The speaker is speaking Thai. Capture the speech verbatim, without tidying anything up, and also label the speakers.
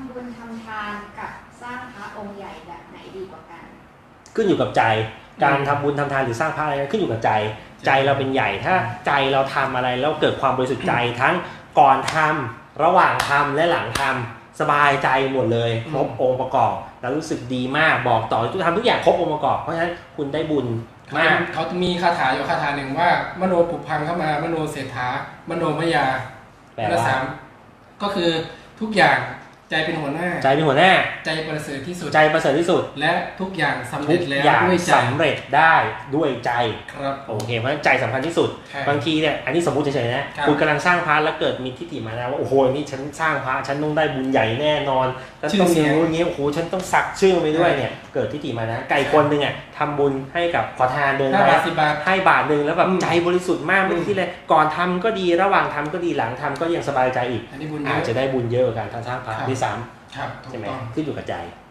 Speaker 1: ำบุญทำทานกับสร้างพระองค์ใหญ่แบบไหนดีกว่ากัน
Speaker 2: ขึ้นอยู่กับใจการทำบุญทำทานหรือสร้างพระอะไรขึ้นอยู่กับใจใจเราเป็นใหญ่ถ้าใจเราทำอะไรแล้วเกิดความบริสุทธิ์ใจทั้งก่อนทำระหว่างทำและหลังทำสบายใจหมดเลยครบองค์ประกอบแล้วรู้สึกดีมากบอกต่อทุกทำทุกอย่างครบองค์ประกอบเพราะฉะนั้นคุณได้บุญมาก
Speaker 3: เขาจะมีคาถาอยู่คาถาหนึ่งว่ามโนปุพังเข้ามามโนเศรษฐามโนมยาแปลว่าสามก็คือทุกอย่างใจเป็นหัวหน้า
Speaker 2: ใจเป็นหัวหน้า
Speaker 3: ใจประเสริฐที่สุด
Speaker 2: ใจประเสริฐที่สุด
Speaker 3: และทุกอย่างสำเร็จแล้ว
Speaker 2: ด้วยใจสำเร็จได้ด้วยใจ
Speaker 3: ครับ
Speaker 2: โอเคเพราะฉะนั้นใจสำคัญที่สุดบางทีเนี่ยอันนี้สมมุติเฉยๆนะคุณกำลังสร้างพระแล้วเกิดมีทิฏฐิมานะว่าโอ้โหนี่ฉันสร้างพระฉันต้องได้บุญใหญ่แน่นอนฉันต้องมีรู้อย่างนี้โอ้โหฉันต้องสักชื่อไปด้วยเนี่ยเกิดทิฏฐิมานะไก่คนหนึ่งอ่ะทำบุญให้กับขอทานเดินไปให้บาทหนึ่งแล้วแบบใจบริสุทธิ์มากไม่ที่เลยก่อนทำก็ดีระหว่างทำก็ดีหลังทำก็ยังสบายใจอีกอาจจะได้บุญเยอะกว่าการสร้างพระด้วยซ้ำใช่ไหมขึ้นอยู่กับใจ